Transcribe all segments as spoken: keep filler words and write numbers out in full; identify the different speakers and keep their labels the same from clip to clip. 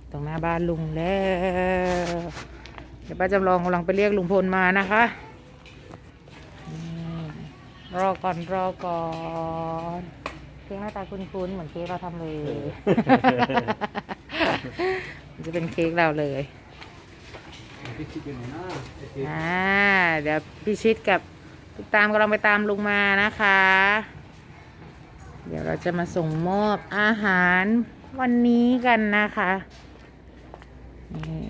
Speaker 1: ตรงหน้าบ้านลุงแล้วเดี๋ยวป้าจำลองกำลังไปเรียกลุงพลมานะคะรอก่อนรอก่อนเค้กหน้าตาคุ้นๆเหมือนเค้กเราทำเลยมันจะเป็นเค้กเราเลยอ่าเดี๋ยวพี่ชิดกับติดตามกำลังไปตามลุงมานะคะเดี๋ยวเราจะมาส่งมอบอาหารวันนี้กันนะคะนี่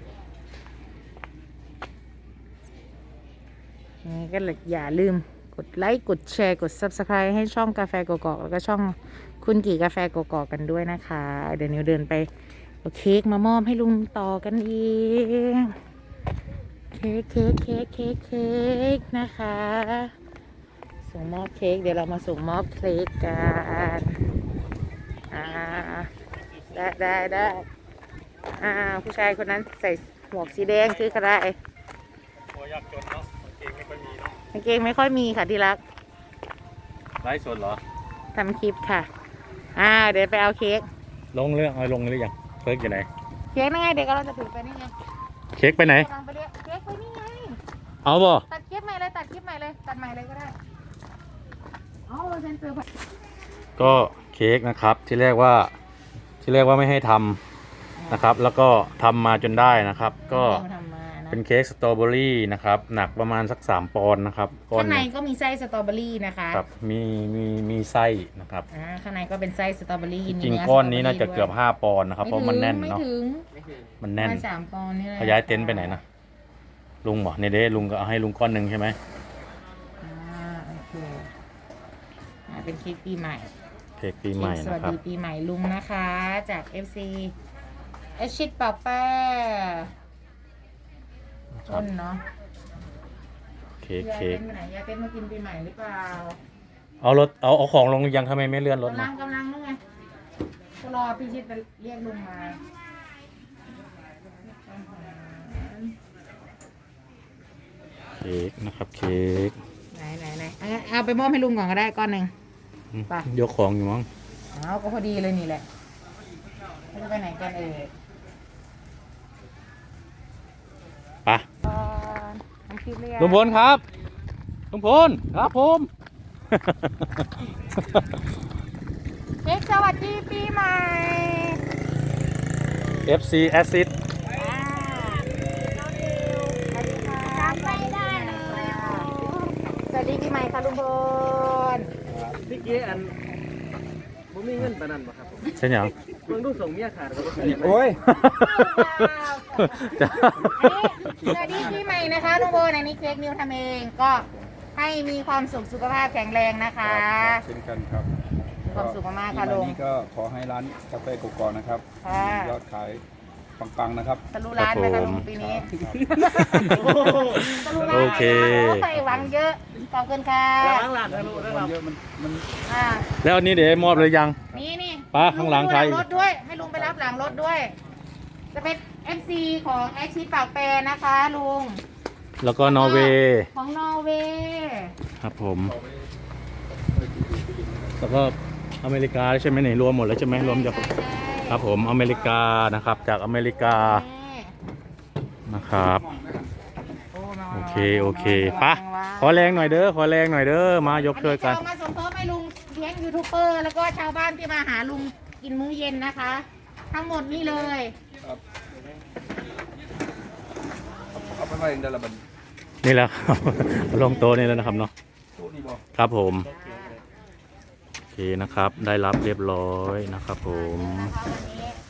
Speaker 1: นี่ก็อย่าลืมกดไลค์กดแชร์กด ซับสไครบ์ ให้ช่องกาแฟกอกๆแล้วก็ช่องคุณกี่กาแฟกอกๆกันด้วยนะคะเดี๋ยวนิวเดินไปเอาเค้กมามอบให้ลุงต่อกันอีกเค้กเค้กเค้กเค้กเค้กนะคะส่งมอบเค้กเดี๋ยวเรามาส่งมอบเค้กกันอ่าได้ได้ได้อ่าผู้ชายคนนั้นใส่หมวกสีแดงชื่ออะไร
Speaker 2: โอ้ยากจนเนาะกางเกงไม่ค่อยมีเนาะ
Speaker 1: กางเกงไม่ค่อยมีค่ะที่รัก
Speaker 2: ไลฟ์สดเหรอ
Speaker 1: ทำคลิปค่ะอ่าเดี๋ยวไปเอาเค้ก
Speaker 2: ลงเรื่องเอาลงหรือยังเค้กอยู่ไหน
Speaker 1: เค้กนั่นไงเดี๋ยวเราจะถือไปนี่ไง
Speaker 2: เค้กไปไหน
Speaker 1: กำลังไปเรียกเค้กไปนี่ไง
Speaker 2: เอาบ่
Speaker 1: ตัดคลิปใหม่เลยตัดคลิปใหม่เลยตัดใหม่เลยก็ได้เอาเราเซ็นเซอร์
Speaker 2: ก็เค้กนะครับที่แรกว่าที่แรกว่าไม่ให้ทำนะครับแล้วก็ทำมาจนได้นะครับก็เป็นเค้กสตรอเบอรี่นะครับหนักประมาณสักสามปอนด์นะครับ
Speaker 1: ข้างในก็มีไส้สตรอเบอรี่นะคะ
Speaker 2: ครับมีมีมีไส้นะครับ
Speaker 1: อ่าข้างในก็เป็นไส้สตรอเบอรี่
Speaker 2: จริงก้อนนี้น่าจะเกือบห้าปอนด์นะครับเพราะมันแน่นเนาะมันแน่น
Speaker 1: สามปอนด์นี่
Speaker 2: ขยายเต็นท์ไปไหนนะลุงบอกเนี่ยเด้ลุงก็เอาให้ลุงก้อนหนึ่งใช่ไหม
Speaker 1: อ่าโอเคอ่าเป็นเค้กปีใหม่
Speaker 2: เค้กปีใหม่นะครับ
Speaker 1: สวัสดีปีใหม่ลุงนะคะจาก เอฟ ซี เอชิดปาแป้ต้นเนาะ
Speaker 2: เค้กเค้ก
Speaker 1: ยายเต้นไปไหนยายเต้นมากินปีใหม่หรือเปล่า
Speaker 2: เอารถเอาเอาของลงยังทำไมไม่เลื่อนรถ
Speaker 1: กำลังกำลังนู่นไงก็รอพี่ชิดไปเรียกลุงมา
Speaker 2: เค้กนะครับเค้ก
Speaker 1: ไหนไหนไหนเอาไปมอบให้ลุงก่อนก็ได้ก้อนหนึ่ง
Speaker 2: ไปยกของอยู่มั้ง
Speaker 1: เอาก็พอดีเลยนี่แหละจะไปไหนกันเอ่ย
Speaker 2: ไปลุงพลครับลุงพลครับผม
Speaker 1: เค้กสวัสดีปีใหม่
Speaker 2: เอฟ ซี Acid
Speaker 1: จำไม่ได้เลยสวัสดีปีใหม่ค่ะลุงพล
Speaker 3: พี่เก๋อันผมมีเงินประนันป่ะครับ
Speaker 2: ใช่ยัง
Speaker 3: เพิ่งต้องส่งเมียขาดก็ต้อง
Speaker 2: โอ้ย
Speaker 1: สวัสดีปีใหม่นะคะลุงพลอันนี้เค้กนิวทำเองก็ให้มีความสุขสุขภาพแข็งแรงนะคะ
Speaker 4: เช่นกันครับ
Speaker 1: มีความสุขมากๆค่ะลุง
Speaker 4: นี้ก็ขอให้ร้านกาแฟกกอกนะครับยอดขายปังๆนะครับ
Speaker 1: ทะลุร้านไปค่ะลุงปีนี้
Speaker 2: โอเค
Speaker 1: หวังเยอะขอบคุณค่ะ
Speaker 3: ล้างหลานทะลุแล้ว
Speaker 4: เยอะมันมัน
Speaker 2: แล้วอันนี้เดี๋ยวมอบเลยยัง
Speaker 1: นี่นี่
Speaker 2: ป้าข้างหลังใคร
Speaker 1: รถด้วยให้ลุงไปรับหลังรถด้วยจะเป็น เอฟ ซี ของแอชชีปากแปรนะคะลุง
Speaker 2: แล้วก็นอร์เวย์
Speaker 1: ของนอร์เวย์
Speaker 2: ครับผมแล้วก็อเมริกาใช่ไหมเนี่ยรวมหมดแล้วใช่ไหมรวมจากครับผมอเมริกานะครับจากอเมริกานะครับโอเคโอเคปะขอแรงหน่อยเด้อขอแรงหน่อยเด้อมายกช่วยกัน
Speaker 1: มาสมทบให้ลุงเลี้ยงยูทูบเบอร์แล้วก็ชาวบ้านที่มาหาลุงกินมื้อเย็นนะคะทั้งหมดนี่เลย
Speaker 4: เอาไปไว้เองเดี๋ยวละบัน
Speaker 2: นี่แหละครับลงโต๊ะนี่แล้วนะครับเนาะครับผมโอเคนะครับได้รับเรียบร้อยนะครับผม